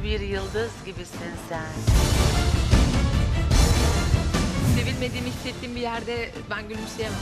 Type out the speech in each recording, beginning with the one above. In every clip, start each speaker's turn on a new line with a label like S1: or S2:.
S1: bir yıldız gibisin sen.
S2: Sevilmediğimi hissettiğim bir yerde ben gülümseyemem.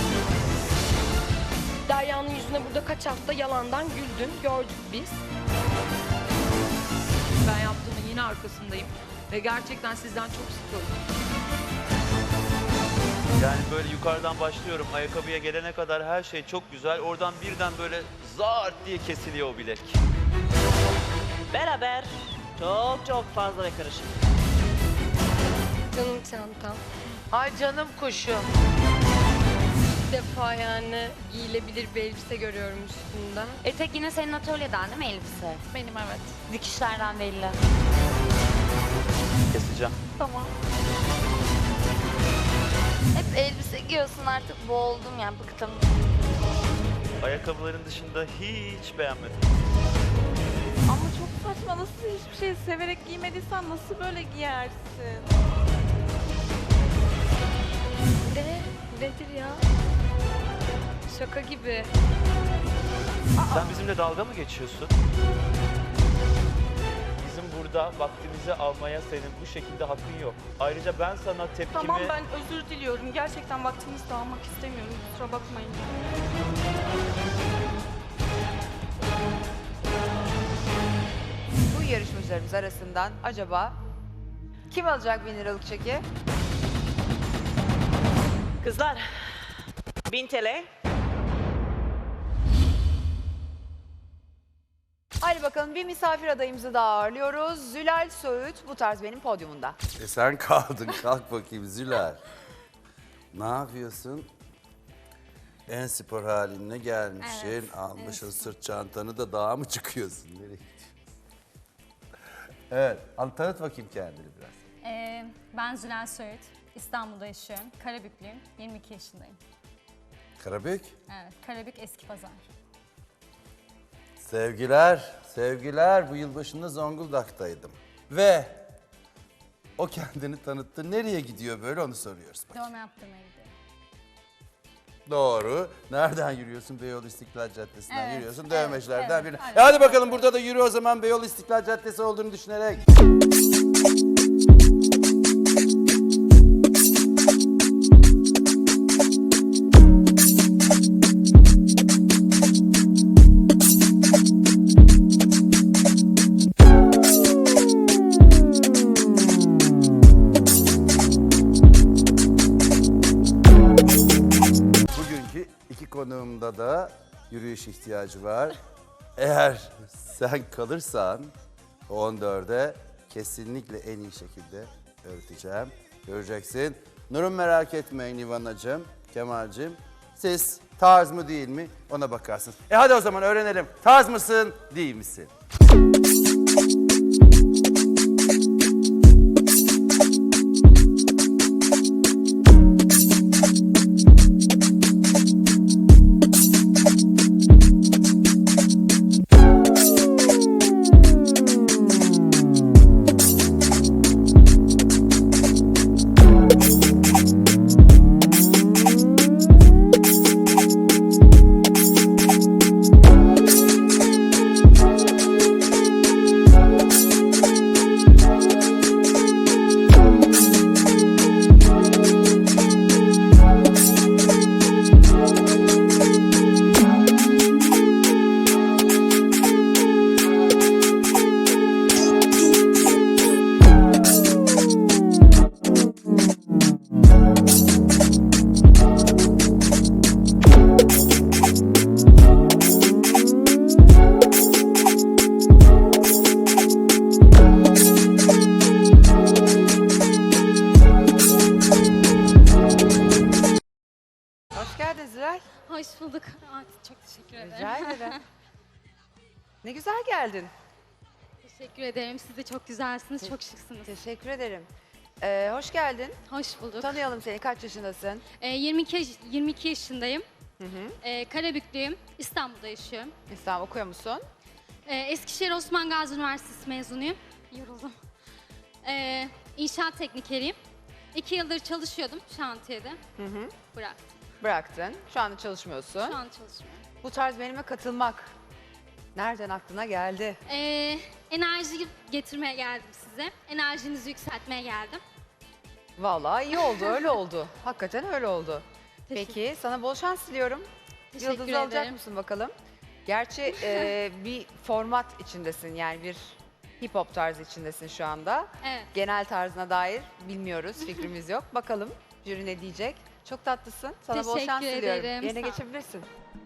S3: Derya'nın yüzüne burada kaç hafta yalandan güldün, gördük biz.
S2: Ben yaptığımın yine arkasındayım. Ve gerçekten sizden çok sıkıldım.
S4: Yani böyle yukarıdan başlıyorum. Ayakkabıya gelene kadar her şey çok güzel. Oradan birden böyle zart diye kesiliyor o bilek.
S5: Beraber çok fazla ve karışık.
S3: Canım çantam.
S1: Ay canım kuşum.
S3: İlk defa yani giyilebilir bir elbise görüyorum üstünden.
S6: Etek yine senin atölyeden değil mi elbise?
S2: Benim evet.
S6: Dikişlerden belli.
S4: Keseceğim.
S6: Tamam. Hep elbise giyiyorsun artık boğuldum yani bıktım.
S4: Ayakkabıların dışında hiç beğenmedim.
S7: Ama çok saçma. Nasıl hiçbir şey severek giymediysen nasıl böyle giyersin?
S3: Nedir ya? Şaka gibi.
S4: Sen bizimle dalga mı geçiyorsun? Bizim burada vaktimizi almaya senin bu şekilde hakkın yok. Ayrıca ben sana tepkimi...
S7: Tamam, ben özür diliyorum. Gerçekten vaktinizi de almak istemiyorum. Kusura bakmayın.
S8: Bu yarışmacılarımız arasından acaba kim alacak 1000 liralık çeki?
S5: Kızlar 1000 TL.
S8: Hadi bakalım bir misafir adayımızı daha ağırlıyoruz. Zülal Söğüt bu tarz benim podyumunda.
S9: Sen kaldın. Kalk bakayım Zülal. Ne yapıyorsun? En spor haline gelmişsin.
S6: Evet,
S9: Almışsın sırt çantanı da dağa mı çıkıyorsun? Nereye gidiyorsun? Evet. Tanıt bakayım kendini biraz.
S10: Ben Zülal Söğüt. İstanbul'da yaşıyorum. Karabüklüyüm. 22 yaşındayım.
S9: Karabük.
S10: Evet, Karabük Eski Pazar.
S9: Sevgiler, sevgiler. Bu yılbaşında Zonguldak'taydım. Ve o kendini tanıttı. Nereye gidiyor böyle onu soruyoruz. Bak.
S10: Dövme yaptırmaya gidiyorum.
S9: Doğru. Nereden yürüyorsun? Beyoğlu İstiklal Caddesi'nden
S10: Evet,
S9: yürüyorsun.
S10: evet,
S9: Dövmecilerden
S10: evet,
S9: birine.
S10: evet.
S9: Hadi bakalım burada da yürü o zaman Beyoğlu İstiklal Caddesi olduğunu düşünerek. Bugünkü iki konuğumda da yürüyüş ihtiyacı var. Eğer sen kalırsan 14'e kesinlikle en iyi şekilde öğreteceğim. Göreceksin. Nur'um merak etmeyin İvanacığım, Kemal'cim. Siz tarz mı değil mi ona bakarsınız. Hadi o zaman öğrenelim. Tarz mısın değil misin?
S8: Hoş geldin Zülal.
S10: Hoş bulduk. Çok teşekkür ederim.
S8: Rica ederim. Ne güzel geldin.
S10: Teşekkür ederim. Siz de çok güzelsiniz, çok şıksınız.
S8: Teşekkür ederim. Hoş geldin.
S10: Hoş bulduk.
S8: Tanıyalım seni. Kaç yaşındasın?
S10: 22 yaşındayım. Karabüklüyüm. İstanbul'da yaşıyorum.
S8: İstanbul okuyor musun?
S10: Eskişehir Osman Gazi Üniversitesi mezunuyum. Yoruldum. İnşaat teknikeriyim. 2 yıldır çalışıyordum şantiyede. Bıraktım.
S8: Bıraktın. Şu anda çalışmıyorsun.
S10: Şu an çalışmıyorum.
S8: Bu tarz benimle katılmak Nereden aklına geldi?
S10: Enerji getirmeye geldim size. Enerjinizi yükseltmeye geldim.
S8: Vallahi iyi oldu, öyle oldu. Hakikaten öyle oldu.
S10: Teşekkür-
S8: Peki, sana bol şans diliyorum.
S10: Teşekkür
S8: Yıldız'ı alacak
S10: ederim.
S8: mısın bakalım? Gerçi bir format içindesin, yani bir hip hop tarzı içindesin şu anda.
S10: Evet.
S8: Genel tarzına dair bilmiyoruz, fikrimiz yok. Bakalım jüri ne diyecek? Çok tatlısın. Sana bol
S10: Teşekkür
S8: şans diliyorum.
S10: ederim,
S8: Yerine
S10: sağ ol.
S8: geçebilirsin.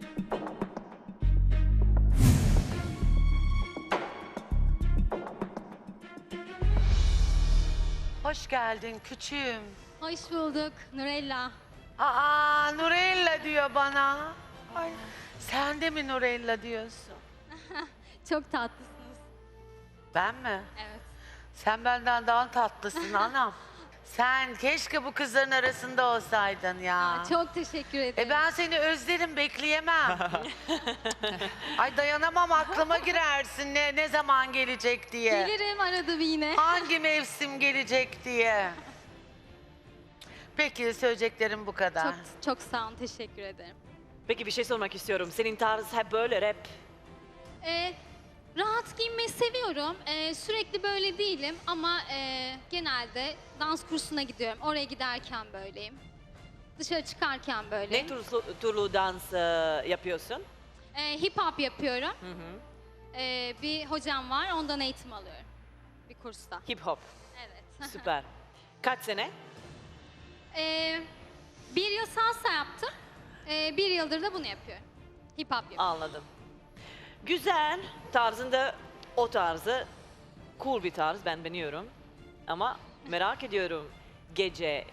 S1: Hoş geldin küçüğüm.
S10: Hoş bulduk Nurella.
S1: Aa Nurella diyor bana. Ay, sen de mi Nurella diyorsun?
S10: Çok tatlısınız.
S1: Ben mi?
S10: Evet.
S1: Sen benden daha tatlısın anam. Sen keşke bu kızların arasında olsaydın ya.
S10: Çok teşekkür ederim.
S1: Ben seni özlerim, bekleyemem. Ay dayanamam, aklıma girersin ne zaman gelecek diye.
S10: Gelirim arada bir yine.
S1: Hangi mevsim gelecek diye. Peki söyleyeceklerim bu kadar.
S10: Çok çok sağ olun, teşekkür ederim.
S5: Peki bir şey sormak istiyorum. Senin tarz hep böyle rap.
S10: Rahat giyinmeyi seviyorum. Sürekli böyle değilim ama genelde dans kursuna gidiyorum. Oraya giderken böyleyim. Dışarı çıkarken böyleyim.
S5: Ne türlü dans yapıyorsun?
S10: Hip hop yapıyorum. Bir hocam var, ondan eğitim alıyorum. Bir kursta.
S5: Hip hop.
S10: Evet.
S5: Süper. Kaç sene?
S10: 1 yıl salsa yaptım. 1 yıldır da bunu yapıyorum. Hip hop yapıyorum.
S5: Anladım. Güzel. Tarzında o tarzı. Cool bir tarz. Ben beğeniyorum. Ama merak ediyorum. Gece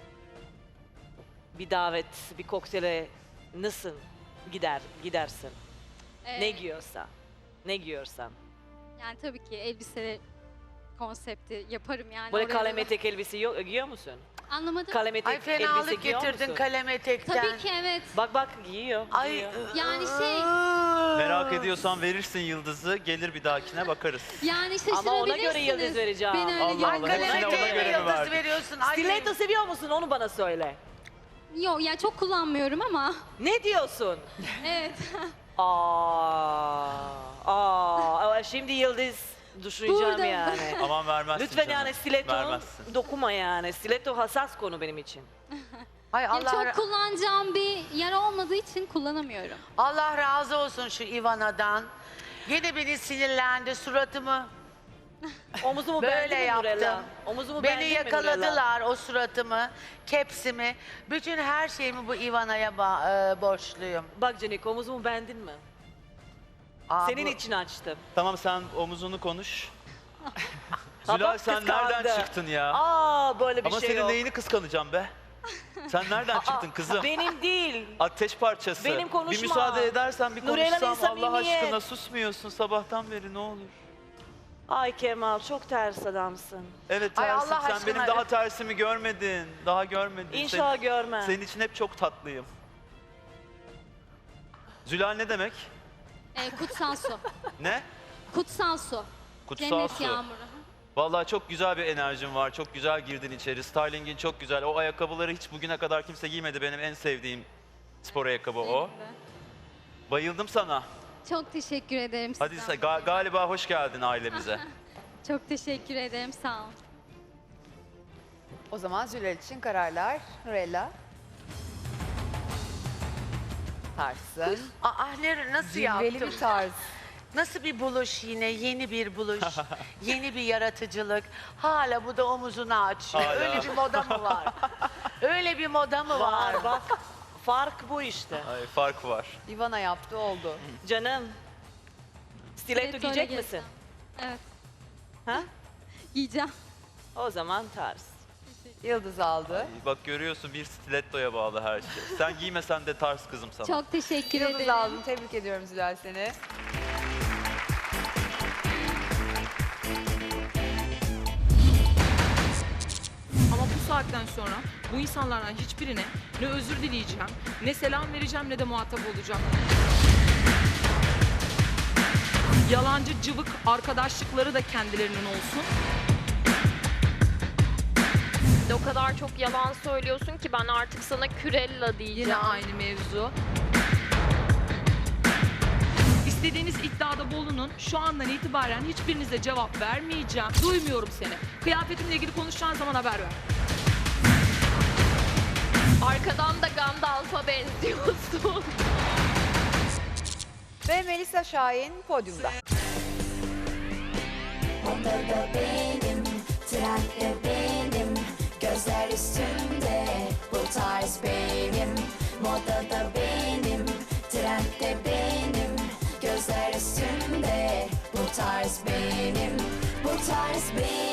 S5: bir davet, bir koktele nasıl gidersin? Ne giyiyorsa. Ne giyiyorsan.
S10: Yani tabii ki elbise konsepti yaparım yani.
S5: Böyle
S10: oraya
S5: kalem
S10: da-
S5: etek elbise giyiyor musun?
S10: Anlamadım.
S5: Kalem etek
S1: Ay
S5: elbise
S1: fenalık
S5: giyiyor
S1: getirdin
S5: musun?
S1: kalem etekten.
S10: Tabii ki evet.
S5: Bak giyiyor.
S1: Ay
S5: giyiyor.
S10: Yani şey,
S4: Merak ediyorsan verirsin yıldızı, gelir bir dahakine bakarız.
S10: yani
S5: Ama ona göre
S10: şaşırabilirsiniz.
S5: yıldız vereceğim.
S10: Beni öyle
S4: Allah
S10: görün.
S1: Ay
S4: Allah,
S1: kalem
S4: hepsine ona
S1: eteğe
S4: göre
S1: mi
S4: mi
S1: yıldız
S4: verdin?
S1: veriyorsun? Ay,
S5: Stiletto seviyor musun? Onu bana söyle.
S10: Yok ya çok kullanmıyorum ama.
S5: Ne diyorsun?
S10: Evet.
S5: Şimdi yıldız düşüneceğim
S10: Burada.
S5: yani.
S4: Aman vermezsin
S5: Lütfen
S4: canım.
S5: yani stiletto
S4: Vermezsin.
S5: dokunma yani. Stiletto hassas konu benim için.
S1: Ay
S10: Ya
S1: Allah,
S10: çok kullanacağım bir yer olmadığı için kullanamıyorum.
S1: Allah razı olsun şu Ivana'dan. Yine beni sinirlendi suratımı.
S5: Omuzumu
S1: Böyle
S5: beğendin mi Nurella?
S1: yaptım.
S5: Omuzumu
S1: Beni
S5: beğendin mi Nurella?
S1: yakaladılar o suratımı, kepsimi. Bütün her şeyimi bu Ivana'ya borçluyum.
S5: Bak Canik omuzumu beğendin mi?
S1: Aa,
S5: Senin
S1: bu-
S5: için açtım.
S4: Tamam sen omuzunu konuş.
S5: Ha,
S4: Zülal
S5: bak,
S4: sen
S5: kıskandı.
S4: nereden çıktın ya?
S5: Böyle bir
S4: Ama
S5: şey
S4: senin
S5: yok.
S4: neyini kıskanacağım be? Sen nereden çıktın kızım?
S5: Benim değil.
S4: Ateş parçası.
S5: Benim konuşma.
S4: Bir müsaade edersen bir
S5: Nurella'nın
S4: konuşsam Allah
S5: samimiyet.
S4: aşkına susmuyorsun sabahtan beri ne olur.
S5: Ay Kemal çok ters adamsın.
S4: Evet
S1: Ay,
S4: tersim.
S1: Allah
S4: Sen
S1: aşkına.
S4: benim daha tersimi görmedin. Daha görmedin.
S5: İnşallah görmem.
S4: Senin için hep çok tatlıyım. Zülal ne demek?
S10: Kutsal su.
S4: Ne?
S10: Kutsal su.
S4: Kutsal
S10: Cennet
S4: su.
S10: yağmuru.
S4: Vallahi çok güzel bir enerjin var. Çok güzel girdin içeri. Stylingin çok güzel. O ayakkabıları hiç bugüne kadar kimse giymedi. Benim en sevdiğim spor ayakkabı o. Bayıldım sana.
S10: Çok teşekkür ederim
S4: Hadi
S10: size.
S4: galiba hoş geldin ailemize.
S10: Çok teşekkür ederim, sağ olun.
S8: O zaman Zülal için kararlar. Nurella. Tarsın.
S1: Nasıl
S8: Cilveli
S1: yaptım?
S8: bir tarz.
S1: Nasıl bir buluş yine, yeni bir buluş, yeni bir yaratıcılık. Hala bu da omuzunu açıyor.
S4: Hala.
S1: Öyle bir moda mı var? Öyle bir moda mı var?
S5: Var bak. Fark bu işte.
S4: Ay, fark var.
S8: Ivana yaptı, oldu.
S5: Canım. Stiletto
S10: Stiletto
S5: giyecek
S10: öyle
S5: misin?
S10: Evet,
S5: Ha?
S10: giyeceğim.
S5: O zaman tarz.
S8: Yıldız aldı.
S4: Bak görüyorsun bir stilettoya bağlı her şey. Sen giymesen de tarz kızım sana.
S10: Çok teşekkür
S8: Yıldız
S10: ederim.
S8: aldın. Tebrik ediyorum Zülal seni.
S2: Ama bu saatten sonra bu insanlardan hiçbirine ne özür dileyeceğim, ne selam vereceğim ne de muhatap olacağım. Yalancı cıvık arkadaşlıkları da kendilerinin olsun.
S3: O kadar çok yalan söylüyorsun ki ben artık sana Kürella diyeceğim.
S2: Yine aynı mevzu. İstediğiniz iddiada bulunun. Şu andan itibaren hiçbirinize cevap vermeyeceğim. Duymuyorum seni. Kıyafetimle ilgili konuşacağın zaman haber ver.
S3: Arkadan da Gandalf'a benziyorsun.
S8: Ve Melisa Şahin podyumda.
S11: Modada benim, trendde benim, gözler üstünde, bu tarz benim. Modada benim, trendde benim, gözler üstünde, bu tarz benim, bu tarz benim.